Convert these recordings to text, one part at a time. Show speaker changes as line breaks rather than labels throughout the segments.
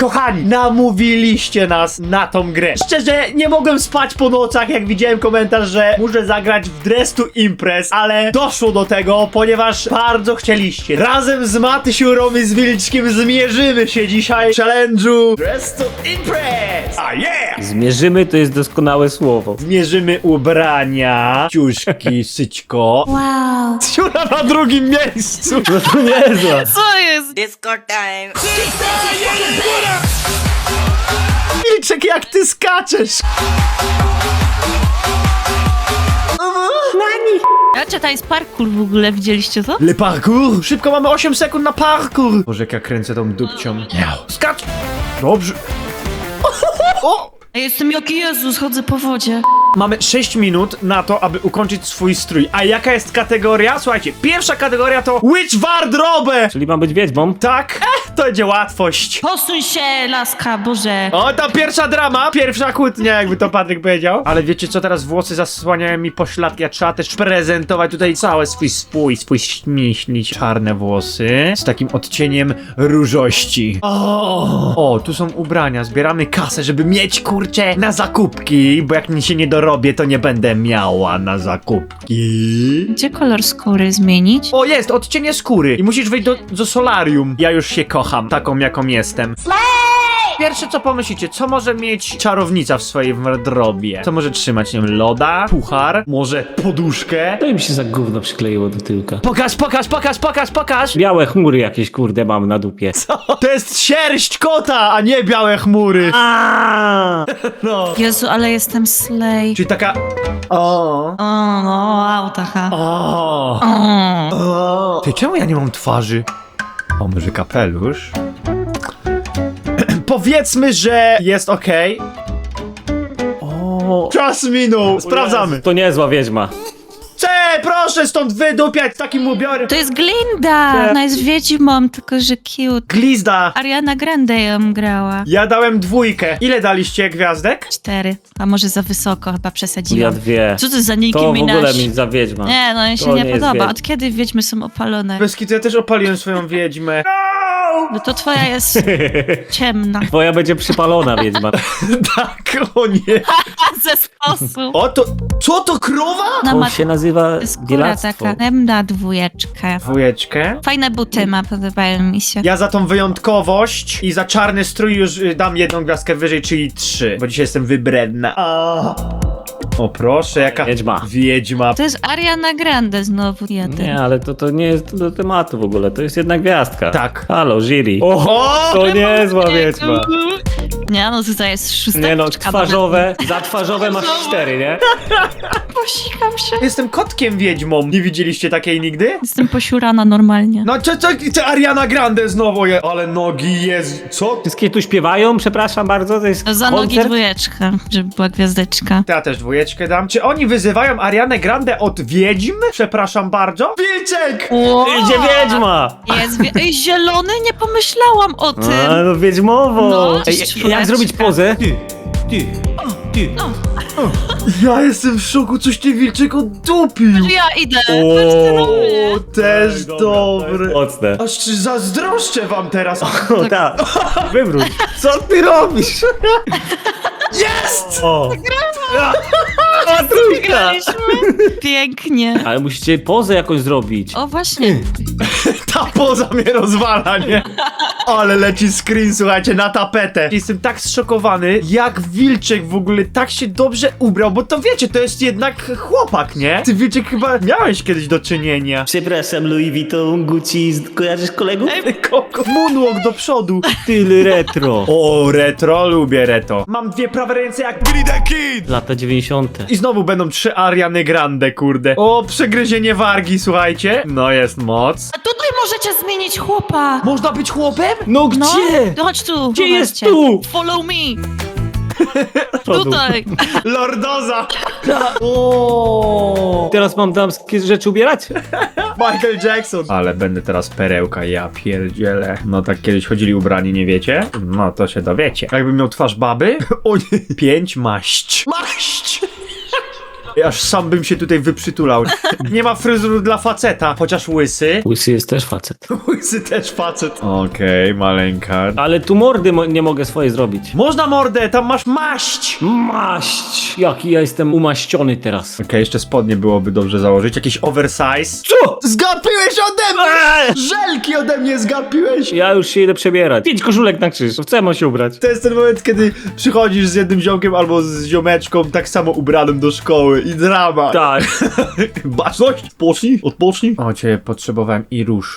Kochani, namówiliście nas na tą grę. Szczerze, nie mogłem spać po nocach, jak widziałem komentarz, że muszę zagrać w Dress to Impress, ale doszło do tego, ponieważ bardzo chcieliście. Razem z Matysiurą i z Wilczkiem zmierzymy się dzisiaj w challenge'u Dress to Impress! A yeah!
Zmierzymy to jest doskonałe słowo.
Zmierzymy ubrania, ciuszki, syćko.
Wow.
Siura na drugim miejscu!
No to niezła.
Co jest?
Disco time.
Wilczek, jak ty skaczesz!
A czy to jest parkour w ogóle, widzieliście to?
Le parkour! Szybko, mamy 8 sekund na parkour! Boże, jak ja kręcę tą dupcią. Skacz! Dobrze. O!
A jestem jak Jezus, chodzę po wodzie.
Mamy 6 minut na to, aby ukończyć swój strój. A jaka jest kategoria? Słuchajcie, pierwsza kategoria to Witch Wardrobe!
Czyli mam być wiedźmą?
Tak? To będzie łatwość.
Posuń się, laska, Boże.
O, ta pierwsza drama, pierwsza kłótnia, jakby to Patryk powiedział. Ale wiecie co, teraz włosy zasłaniają mi pośladki, a trzeba też prezentować tutaj cały swój śmieszny, czarne włosy z takim odcieniem różości. O, tu są ubrania, zbieramy kasę, żeby mieć, kurczę, na zakupki, bo jak mi się nie dorobię, to nie będę miała na zakupki.
Gdzie kolor skóry zmienić?
O, jest, odcienie skóry i musisz wejść do solarium. Ja już się kocham, taką jaką jestem. Pierwsze co pomyślicie, co może mieć czarownica w swojej wardrobie? Co może trzymać, nie wiem, loda, puchar, może poduszkę?
To im się za gówno przykleiło do tyłka.
Pokaż!
Białe chmury jakieś, kurde, mam na dupie.
To jest sierść kota, a nie białe chmury. No.
Jezu, ale jestem slay.
Czyli taka... O.
O, no, auta,
O.
O.
Ty, czemu ja nie mam twarzy? O, może kapelusz? Powiedzmy, że jest okej. O. Czas minął. Sprawdzamy.
To niezła wiedźma.
Proszę stąd wydupiać z takim ubiorem.
To jest Glinda! Ona jest wiedźmą, tylko że cute.
Glizda.
Ariana Grande ją grała.
Ja dałem 2. Ile daliście gwiazdek?
4. A może za wysoko, chyba
Ja
przesadziłam.
2.
Co to za Nicki
To w
Minaj?
ogóle mi za wiedźma.
Nie, no mi się
To
nie
nie jest
podoba.
wiedźma.
Od kiedy wiedźmy są opalone?
Bez kitu, ja też opaliłem swoją wiedźmę.
No to twoja jest ciemna.
Twoja będzie przypalona wiedźma.
Tak, o nie.
Ze sposób.
O to... Co to, krowa?
Na
To się nazywa
skóra
bielactwo.
taka. Dam na 2.
Dwójeczkę.
Fajne buty ma, podobają mi się.
Ja za tą wyjątkowość i za czarny strój już dam 1 gwiazdkę wyżej, czyli 3. Bo dzisiaj jestem wybredna. O proszę, jaka
Wiedźma.
wiedźma.
To jest Ariana Grande znowu jeden.
Nie, ale to nie jest do tematu w ogóle. To jest jedna gwiazdka.
Tak.
Halo, jury.
O!
To niezła wiedźma.
Nie, no tutaj jest 6.
Nie no, twarzowe. Za twarzowe masz 4, nie?
Posikam się.
Jestem kotkiem wiedźmą. Nie widzieliście takiej nigdy?
Jestem posiurana normalnie.
No co Ariana Grande znowu je... Ale nogi jest... Co?
Wszystkie tu śpiewają, przepraszam bardzo, to jest
Za nogi
koncert?
2, żeby była gwiazdeczka.
Ja też 2 dam. Czy oni wyzywają Arianę Grande od wiedźm? Przepraszam bardzo. Wilczek!
Wow.
Idzie wiedźma!
Jest Ej, zielony? Nie pomyślałam o tym.
A, no wiedźmowo!
No,
Ej,
czwóreczka.
jak zrobić pozę?
Ja jestem w szoku, coś ty Wilczek oddupił.
Ja idę.
O, też dobre.
Mocne.
Aż czy zazdroszczę wam teraz.
O tak, wywróć. Co ty robisz?
Jest!
O, o trójka!
Pięknie.
Ale musicie pozę jakąś zrobić.
O, właśnie.
Ta poza mnie rozwala, nie? Ale leci screen, słuchajcie, na tapetę. Jestem tak zszokowany, jak Wilczek w ogóle tak się dobrze ubrał, bo to wiecie, to jest jednak chłopak, nie? Ty, Wilczek, chyba miałeś kiedyś do czynienia.
Przepraszam, Louis Vuitton, Gucci, kojarzysz kolegów?
Moonwalk do przodu.
Tyle retro.
O, retro, lubię retro. Mam 2 prawe ręce jak Billy the Kid.
Lata 90.
I znowu będą 3 Ariany Grande, kurde. O, przegryzienie wargi, słuchajcie. No, jest moc.
A tutaj możecie zmienić chłopa.
Można być chłopem?
No
No,
gdzie?
to chodź tu.
Gdzie jest
zobaczcie.
tu?
Follow me.
Przodu.
Tutaj.
Lordoza.
O! Teraz mam damskie rzeczy ubierać?
Michael Jackson. Ale będę teraz perełka, ja pierdzielę. No tak kiedyś chodzili ubrani, nie wiecie? No to się dowiecie. Jakbym miał twarz baby? O nie. 5 maść. Maść! Aż sam bym się tutaj wyprzytulał. Nie ma fryzuru dla faceta, chociaż łysy.
Łysy jest też facet.
Łysy też facet. Okej, maleńka.
Ale tu mordy nie mogę swoje zrobić.
Można mordę, tam masz maść!
Maść! Jaki ja jestem umaściony teraz.
Okej, jeszcze spodnie byłoby dobrze założyć. Jakiś oversize.
Co?
Zgapiłeś ode mnie! Żelki ode mnie zgapiłeś!
Ja już się idę przebierać. 5 koszulek na krzyż. W co ja mam się ubrać?
To jest ten moment, kiedy przychodzisz z jednym ziomkiem albo z ziomeczką tak samo ubranym do szkoły i drama.
Tak.
Baczność, odpocznij. O, cię potrzebowałem i róż.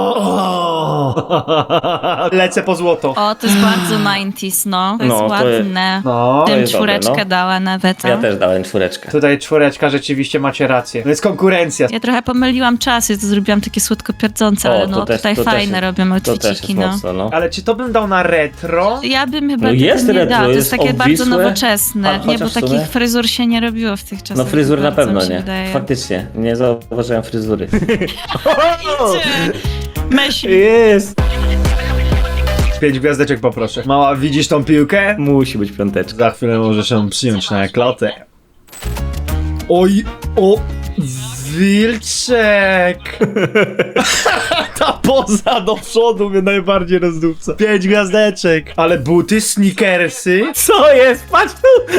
Lecę po złoto.
O, to jest bardzo 90s, no. To jest
No, to jest-
ładne.
No,
Tym
jest dobre,
czwóreczkę
no.
dała nawet.
Ja też dałem 4.
tutaj czwóreczka, rzeczywiście macie rację. To jest konkurencja.
Ja trochę pomyliłam czasy, to zrobiłam takie słodko pierdzące,
O,
ale
to
no
też-
tutaj
to też
fajne
jest-
robią
To też
outfitiki,
jest
no.
mocno, no.
Ale czy to bym dał na retro?
Ja bym chyba
No
tego
jest
nie
retro,
dała, to
jest
jest takie bardzo
obwisłe.
nowoczesne. Nie, bo
Chociaż w sumie-
takich fryzur się nie robiło w tych czasach.
No fryzur na
bardzo,
pewno
mi się
nie.
wydaje.
Faktycznie, nie zauważyłem fryzury.
Myśl.
Jest!
5 gwiazdeczek poproszę. Mała, widzisz tą piłkę?
Musi być 5.
Za chwilę możesz ją przyjąć na klotę. Oj, o, wilczek! Ta poza do przodu mnie najbardziej rozdupca. 5 gwiazdeczek. Ale buty, sneakersy.
Co jest? Patrz tu!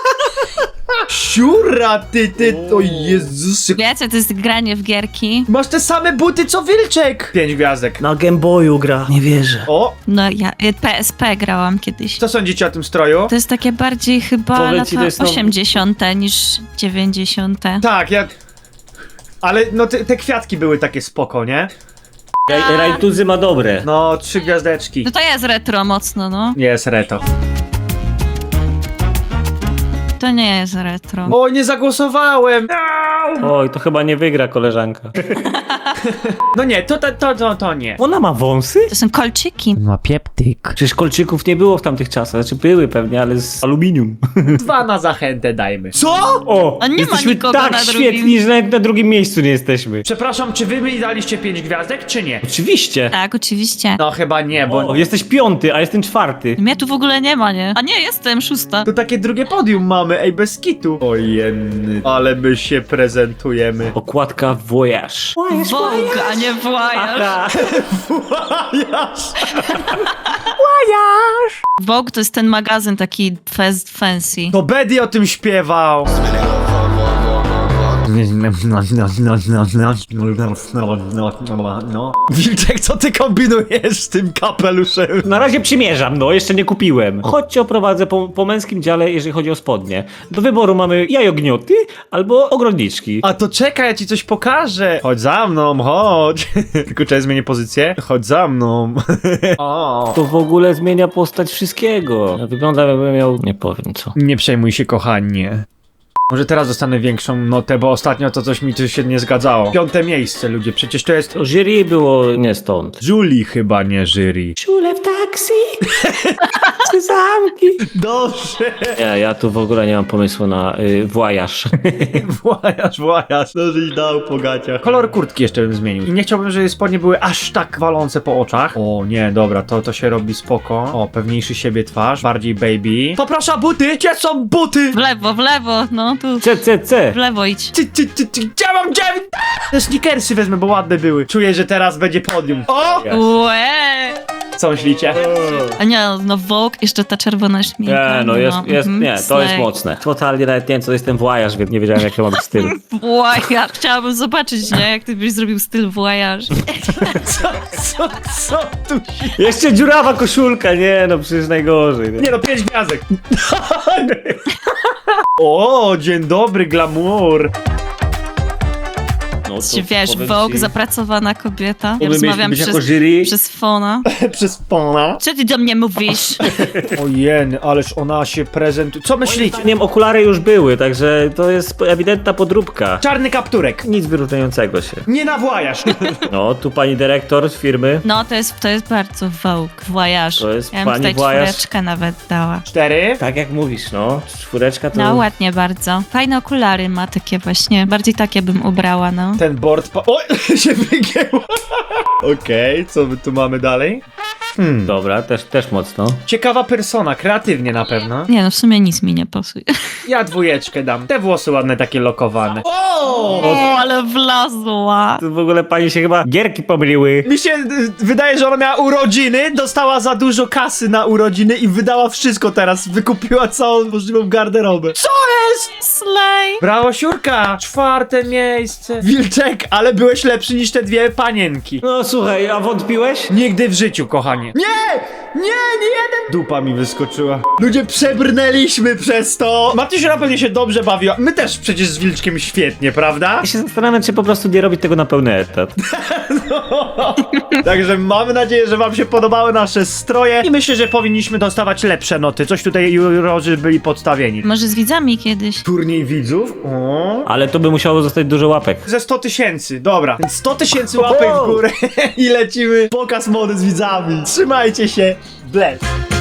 Siura, ty, o Jezus.
Wiecie, to jest granie w gierki.
Masz te same buty co wilczek. 5 gwiazdek.
Na Game Boyu gra. Nie wierzę.
O,
No ja PSP grałam kiedyś.
co sądzicie o tym stroju?
To jest takie bardziej chyba
Powiem ci, to
lata
jest no-
80. niż 90.
Tak, ja... Ale no te kwiatki były takie spoko, nie?
Rajtuzy ma dobre.
No, 3 gwiazdeczki.
No to jest retro mocno, no.
Jest reto.
To nie jest retro.
O, nie zagłosowałem!
Oj, to chyba nie wygra koleżanka.
No nie, to nie.
Ona ma wąsy?
To są kolczyki.
Ma pieptyk.
Przecież kolczyków nie było w tamtych czasach. Znaczy były pewnie, ale z aluminium.
2 na zachętę dajmy. Co?
O!
A nie ma
jesteśmy
nikogo
tak
na drugim.
świetni, że nawet na drugim miejscu nie jesteśmy.
Przepraszam, czy wy mi daliście 5 gwiazdek, czy nie?
Oczywiście.
Tak, oczywiście.
No chyba nie, bo...
O, jesteś 5, a jestem 4.
Mnie tu w ogóle nie ma, nie? A nie, jestem 6.
To takie drugie podium mamy, ej, bez kitu. Ojenny, ale my się prezentujemy.
Okładka Voyage.
Vogue, a nie Voyage.
Aha.
Vogue to jest ten magazyn taki fancy.
To Betty o tym śpiewał. Wilczek, co ty kombinujesz z tym kapeluszem?
Na razie przymierzam, no, jeszcze nie kupiłem. Chodź cię oprowadzę po męskim dziale, jeżeli chodzi o spodnie. Do wyboru mamy jajognioty albo ogrodniczki.
A to czekaj, ja ci coś pokażę. Chodź za mną, chodź. Tylko czekaj, zmienię pozycję. Chodź za mną. O.
To w ogóle zmienia postać wszystkiego. Wygląda jakbym miał... nie powiem co.
Nie przejmuj się, kochanie. Może teraz dostanę większą notę, bo ostatnio to coś mi tu się nie zgadzało. 5. miejsce, ludzie, przecież to jest...
To jury było nie stąd.
Julie chyba, nie jury.
Czule w taksi. Zamki.
Dobrze.
Nie, ja tu w ogóle nie mam pomysłu na włajaż.
Włajasz, no żeś dał po gaciach. Kolor kurtki jeszcze bym zmienił. I nie chciałbym, żeby spodnie były aż tak walące po oczach. O nie, dobra, to się robi spoko. O, pewniejszy siebie twarz, bardziej baby. Poproszę buty! Gdzie są buty?
W lewo, no tu.
CCC.
W lewo idź.
Gdzie mam 9? Te sneakersy wezmę, bo ładne były. Czuję, że teraz będzie podium. O!
Łe!
Co myślicie?
A nie, no Vogue, jeszcze ta czerwona szminka.
Nie, no jest, nie, to jest
slay.
mocne. Totalnie nawet nie wiem, co jest ten włajaż, więc nie wiedziałem, jak to ma być styl.
Voyage. Chciałabym zobaczyć, nie? Jak ty byś zrobił styl voyage.
Co tu?
Jeszcze dziurawa koszulka, nie, no przecież najgorzej. Nie?
Nie no, 5 gwiazdek. O, dzień dobry, glamour.
No,
Czy wiesz, Vogue, zapracowana kobieta. Ja rozmawiam
być jako jury.
przez fona.
Przez pana.
Co ty do mnie mówisz?
Ojej, ależ ona się prezentuje. Co myślicie?
Zdaniem okulary już były, także to jest ewidentna podróbka.
Czarny kapturek.
Nic wyróżniającego się.
Nie nawłajasz.
No, tu pani dyrektor z firmy.
No, to jest bardzo Vogue, voyage.
To jest
ja bym
pani
tutaj
voyage.
4 nawet dała.
4.
Tak jak mówisz, no. 4 to...
No, ładnie bardzo. Fajne okulary ma takie właśnie. Bardziej takie bym ubrała, no.
Ten board Oj, się wygięło. Okej, co my tu mamy dalej?
Dobra, też mocno.
Ciekawa persona, kreatywnie na pewno.
Nie no, w sumie nic mi nie pasuje.
Ja 2 dam. Te włosy ładne, takie lokowane.
O, ale wlazła.
Tu w ogóle pani się chyba gierki pomyliły.
Mi się wydaje, że ona miała urodziny, dostała za dużo kasy na urodziny i wydała wszystko teraz. Wykupiła całą możliwą garderobę. Co jest?
Slay.
Brawo, Siurka! 4. miejsce. Wilczek, ale byłeś lepszy niż te 2 panienki.
No słuchaj, a wątpiłeś?
Nigdy w życiu, kochanie. Nie jeden! Dupa mi wyskoczyła. Ludzie, przebrnęliśmy przez to. Matysiu na pewno się dobrze bawiła. My też przecież z Wilczkiem świetnie, prawda?
Ja się zastanawiam, czy po prostu nie robić tego na pełny etat.
Także mamy nadzieję, że wam się podobały nasze stroje i myślę, że powinniśmy dostawać lepsze noty. Coś tutaj jurorzy byli podstawieni.
Może z widzami kiedyś.
Turniej widzów? O.
Ale to by musiało zostać dużo łapek.
Ze 100 000, dobra. Więc 100 000 łapek w górę i lecimy pokaz mody z widzami. Trzymajcie się. Bless.